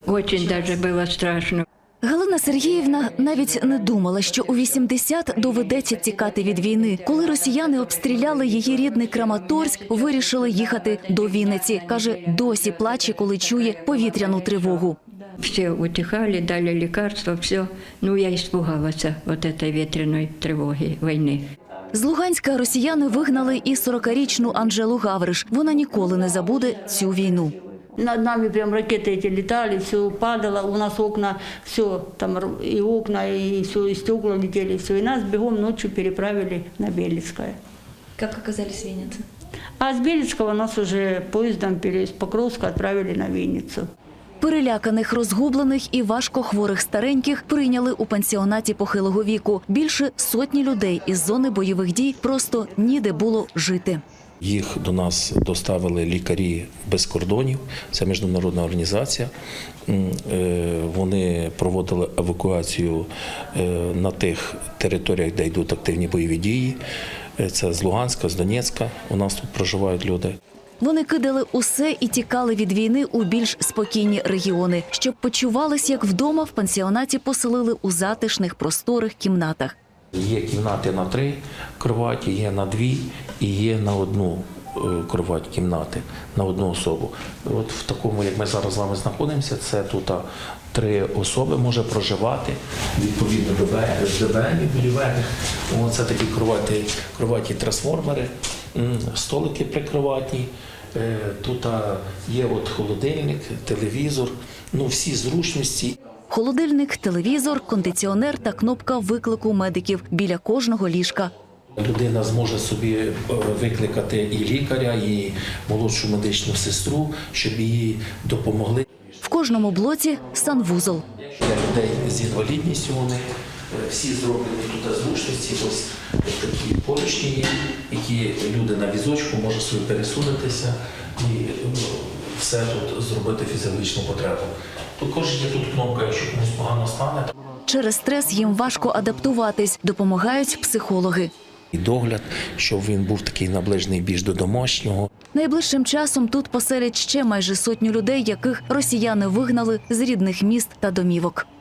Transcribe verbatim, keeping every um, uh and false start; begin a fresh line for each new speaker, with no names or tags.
Очень даже було страшно.
Галина Сергіївна навіть не думала, що у вісімдесят доведеться тікати від війни. Коли росіяни обстріляли її рідний Краматорськ, вирішили їхати до Вінниці. Каже, досі плаче, коли чує повітряну тривогу.
Все утихали, дали лекарства, все. Ну, я испугалась вот этой ветреной тревоги войны.
З Луганська росіяни вигнали і сорокарічну Анжелу Гавриш. Вона ніколи не забуде цю війну.
Над нами прям ракеты эти летали, все падало, у нас окна, все, там и окна, и все, и стекла летели, все. И нас бегом ночью переправили на Белецкое.
Як оказались в Вінниці?
А с Белецкого нас уже поездом из Покровска отправили на Винницу.
Переляканих, розгублених і важкохворих стареньких прийняли у пансіонаті похилого віку. Більше сотні людей із зони бойових дій просто ніде було жити.
Їх до нас доставили лікарі без кордонів, це міжнародна організація. Вони проводили евакуацію на тих територіях, де йдуть активні бойові дії. Це з Луганська, з Донецька, у нас тут проживають люди.
Вони кидали усе і тікали від війни у більш спокійні регіони. Щоб почувались як вдома, в пансіонаті поселили у затишних просторих кімнатах.
Є кімнати на три кроваті, є на дві і є на одну кровать кімнати, на одну особу. От в такому, як ми зараз з вами знаходимося, це тут три особи може проживати, відповідно до ДБНів, боліверних. Це такі кроваті, кроваті трансформери, столики прикроватні. Тут є от холодильник, телевізор, ну всі зручності.
Холодильник, телевізор, кондиціонер та кнопка виклику медиків біля кожного ліжка.
Людина зможе собі викликати і лікаря, і молодшу медичну сестру, щоб їй допомогли.
В кожному блоці санвузол.
Для людей з інвалідністю вони всі зроблені тут зручності, ось такі поручні є, які люди на візочку можуть собі пересунутися і все тут зробити фізіологічну потребу. Також є тут кнопка, якщо комусь погано стане.
Через стрес їм важко адаптуватись, допомагають психологи.
І догляд, щоб він був такий наближений більш до домашнього.
Найближчим часом тут поселять ще майже сотню людей, яких росіяни вигнали з рідних міст та домівок.